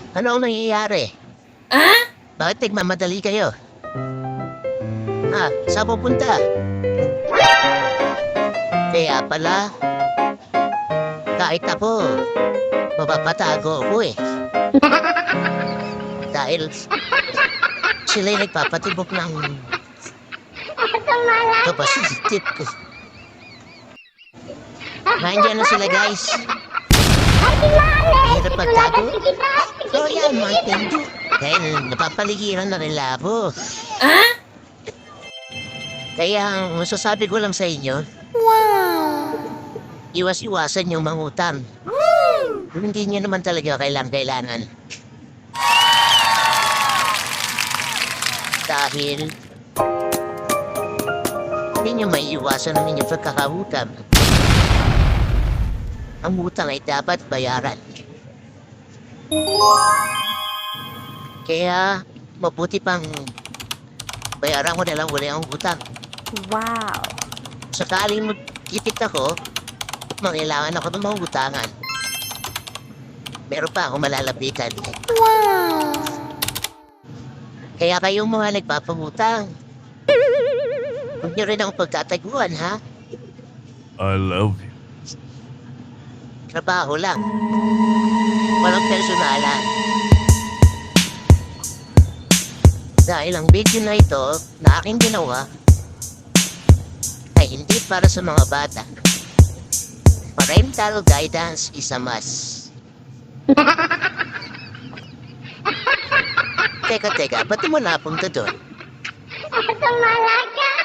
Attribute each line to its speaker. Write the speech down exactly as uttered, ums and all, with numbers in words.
Speaker 1: Ano ang nangyayari?
Speaker 2: Ah?
Speaker 1: Bakit nagmamadali kayo? Ah, saan pupunta? Kaya pala, kahit ako, mapapatago ako eh. Dahil sila'y nagpapatibok ng kapasitit ko. Nandiyan na sila guys. Hirap magtago. So yan, Mountain Dew. Dahil napapaligiran na nila ako.
Speaker 2: Ah?
Speaker 1: Kaya ang masasabi ko lang sa inyo,
Speaker 2: Wow!
Speaker 1: iwas-iwasan yung mangutang. Kung hindi nyo naman talaga kailang-kailangan. Dahil hindi nyo may iwasan ang inyong pagkakautang. Ang utang ay dapat bayaran. Kaya mabuti pang bayaran ko na lang wala ang utang.
Speaker 2: Wow!
Speaker 1: Sakaling magkikita ko, mangailangan ako ng mga utangan. Meron pa akong malalapitan.
Speaker 2: Wow!
Speaker 1: Kaya kayong mga nagpapangutang, huwag niyo rin akong pagtataguan, ha?
Speaker 3: I love you.
Speaker 1: Trabaho lang. Walang personalan. Dahil ang video na ito na aking ginawa ay hindi para sa mga bata. Parental guidance is a must. Teka, teka, ba't mo napunta doon?
Speaker 4: Tumalaga!